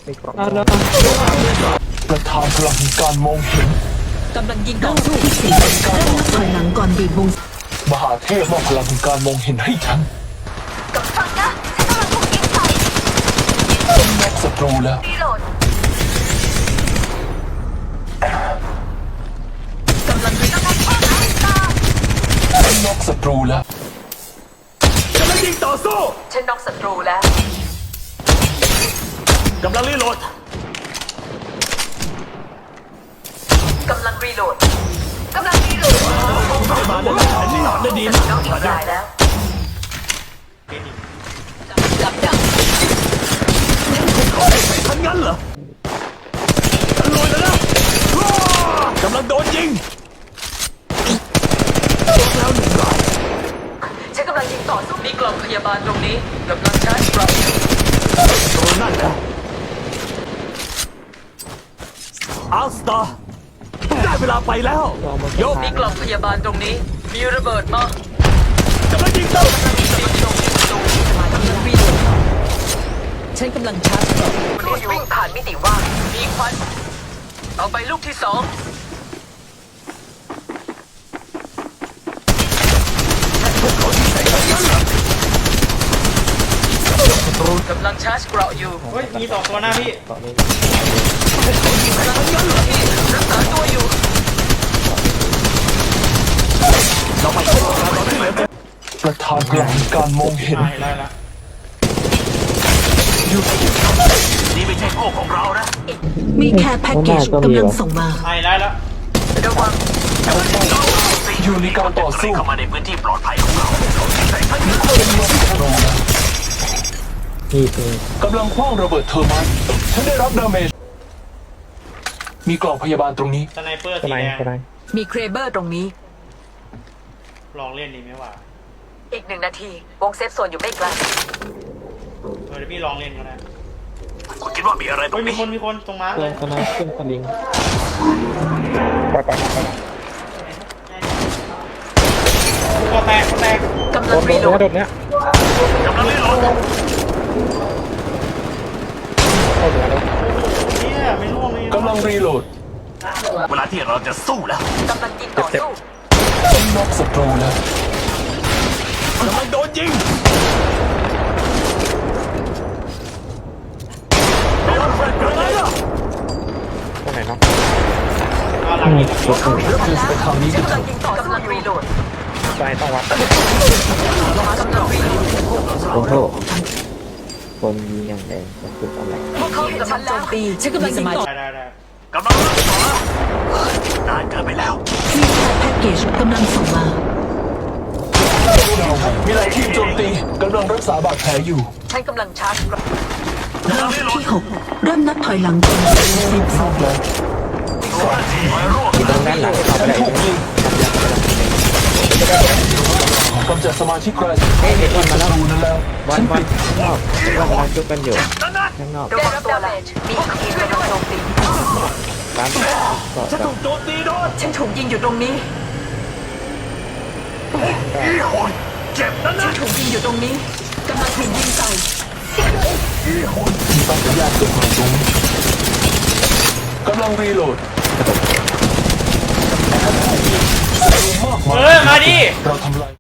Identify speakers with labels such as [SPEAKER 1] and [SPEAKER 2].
[SPEAKER 1] ไม่กรอบ
[SPEAKER 2] ประธานพลังการมองเห็น
[SPEAKER 3] กำลังยิงต่อสู้ที่สี่ถอยหลังก่อนบีบวง
[SPEAKER 2] มหาเทพมอบพลังการมองเห็นให้ฉัน
[SPEAKER 4] กับฟังนะฉันกำลังถูกยิงใส่
[SPEAKER 2] น็อกศัตรูแล้ว
[SPEAKER 4] รีโหลด
[SPEAKER 3] กำลังยิง
[SPEAKER 4] กำลังพ่อหาตา
[SPEAKER 2] น็อกศัตรูแล้ว
[SPEAKER 5] กำลังยิงต่อสู้
[SPEAKER 3] ฉันน็อกศัตรูแล้ว
[SPEAKER 5] กำลังรีโหลด
[SPEAKER 3] กำลังรีโหลด
[SPEAKER 4] กำลังรีโหลด
[SPEAKER 5] มาได้แผนรีโหลดได้ดีนะ
[SPEAKER 3] น็อกอีกรายแล้วกับดัก
[SPEAKER 5] ทันงั้นเหรอฉันลอยแล้วนะกำลังโดนยิงแล้วหนึ่งราย
[SPEAKER 3] ฉันกำลังยิงต่อสู้มีกล่องพยาบาลตรงนี้กำลังชาร์จกลับ
[SPEAKER 5] ตัวนั่นนะอัลสตาร์ได้เวลาไปแล้วโยก
[SPEAKER 3] มีกล่องพยาบาลตรงนี้มีระเบิดมาก
[SPEAKER 5] ำลังยิงต่อ
[SPEAKER 3] ฉันกำลังชาร์จกล่องวิ่งผ่านมิติว่างมีควันเอาไปลูกที่สองกำลังชาร์จเกราะอยู่
[SPEAKER 6] เฮ้ยมี2ตัวหน้าพี่
[SPEAKER 1] ต่อนี้
[SPEAKER 3] กำลังยิงพี่รักษาตัวอยู่
[SPEAKER 5] เราไปช่วยกันเราที่เหลือจะ
[SPEAKER 2] ประธานพลังการมองเห็น
[SPEAKER 6] ได้แล้ว
[SPEAKER 5] นี่ไม่ใช่โลกของเรานะ
[SPEAKER 3] มีแค่แพ็กเกจกำลังส่งมา
[SPEAKER 6] ได้แล้ว
[SPEAKER 3] ระวัง
[SPEAKER 2] อยู่ในการต่อสู้
[SPEAKER 5] เข้ามาในพื้นที่ปลอดภัยของเรา
[SPEAKER 2] น็อกศัตรูแล้ว
[SPEAKER 1] นี่คือก
[SPEAKER 2] ำลังคว้างระเบิดเทอร์มันฉันได้รับดาเมจมีกล่องพยาบาลตรงนี้
[SPEAKER 6] สไนเปอร์
[SPEAKER 1] ส
[SPEAKER 6] สี
[SPEAKER 1] ไน
[SPEAKER 6] แด
[SPEAKER 1] ด์
[SPEAKER 6] ง
[SPEAKER 1] สไนด์
[SPEAKER 3] มีเครเบอร์ตรงนี้
[SPEAKER 6] ลองเล่นดีไหมวะ
[SPEAKER 3] อีก1 นาที วงเซฟโซนอยู่ไม่ไกล
[SPEAKER 6] เดี๋ยวพี่ลองเล่นก็ได้
[SPEAKER 5] คุณคิดว่ามีอะไรตร
[SPEAKER 6] เฮ้ย
[SPEAKER 5] ง
[SPEAKER 6] มี
[SPEAKER 5] นี้
[SPEAKER 6] คนตรงม้า
[SPEAKER 1] เค
[SPEAKER 6] เล
[SPEAKER 1] รื่อย งสไนด์ขึ้นสลิงไป
[SPEAKER 6] ตัวแตก
[SPEAKER 3] กำ
[SPEAKER 1] โด
[SPEAKER 3] ลัง
[SPEAKER 1] น
[SPEAKER 3] รีโหลด
[SPEAKER 1] โดนเนี้ย
[SPEAKER 5] กำลังรีโหลด
[SPEAKER 1] เข้าเหนือแล้ว
[SPEAKER 6] เนี่ยไม่ร่วงเลย
[SPEAKER 2] กำลังรีโหลด
[SPEAKER 5] เวลาที่เราจะสู้แล้ว
[SPEAKER 3] กำลังยิงต่อสู้
[SPEAKER 2] น็อกศัตรูแล้ว
[SPEAKER 5] กำลังโดนยิงโดนแฟลชกระไรล่ะ
[SPEAKER 1] ตรงไหนเนาะ
[SPEAKER 6] หลังยิง
[SPEAKER 2] ไปทางนี้
[SPEAKER 3] ฉั
[SPEAKER 2] กัน
[SPEAKER 3] น
[SPEAKER 2] เถ
[SPEAKER 3] กำลั
[SPEAKER 2] อะ
[SPEAKER 3] งยิงต่อสู้กำลังรีโหลด
[SPEAKER 1] ใจต้องวัด
[SPEAKER 3] กำลังรีโหลด
[SPEAKER 1] โอ้โหคนยิงอย่างแรงจะสุดอะไร
[SPEAKER 3] พวกเขาเห็นฉันแล้วฉันกำลังยิงต่อ
[SPEAKER 6] ได้
[SPEAKER 5] กำลังรักษานานเกินไปแล้ว
[SPEAKER 3] มีแค่แพ็กเกจกำลังส่งมา
[SPEAKER 2] มีหลายทีมโจมตีกำลังรักษาบาดแผลอยู่
[SPEAKER 3] ฉันกำลังชาร์จเกราะ
[SPEAKER 5] กำลังรีโหลด
[SPEAKER 3] ที่6เริ่มนับถอยหลังก่อนเซฟโซ
[SPEAKER 2] น็อน กแล้ว
[SPEAKER 5] คอยร่วม
[SPEAKER 1] ตรงด้านหลังเข้าไป
[SPEAKER 2] ฉัน
[SPEAKER 1] ได้
[SPEAKER 2] ถูกยิงกำจัดสมาชิกแกรนด์
[SPEAKER 1] เฮ้ยเด็กคนมาแล้ว
[SPEAKER 2] ดูนั่นแล้ว
[SPEAKER 1] วันข้างนอกเรากำลังจุกกันอยู่
[SPEAKER 5] นั่นนะ
[SPEAKER 1] ข้างนอก
[SPEAKER 3] ได้รับดาเมจมีทีมกำลังโจมตี
[SPEAKER 1] ร้านก็
[SPEAKER 5] ฉันถูกโจมตีโดน
[SPEAKER 3] ฉันถูกยิงอยู่ตรงนี้
[SPEAKER 5] อีโหนเจ็บนั่น
[SPEAKER 3] ฉั
[SPEAKER 5] นะ
[SPEAKER 3] นถูกยิงอยู่ตรงนี้กำลังถูกยิงใส่
[SPEAKER 5] อีโหน
[SPEAKER 2] มีปัญญาณส่งมาตรงนี้กำลังรีโหลดศัตรูมากมาย
[SPEAKER 6] มาดิ
[SPEAKER 2] เราทำลาย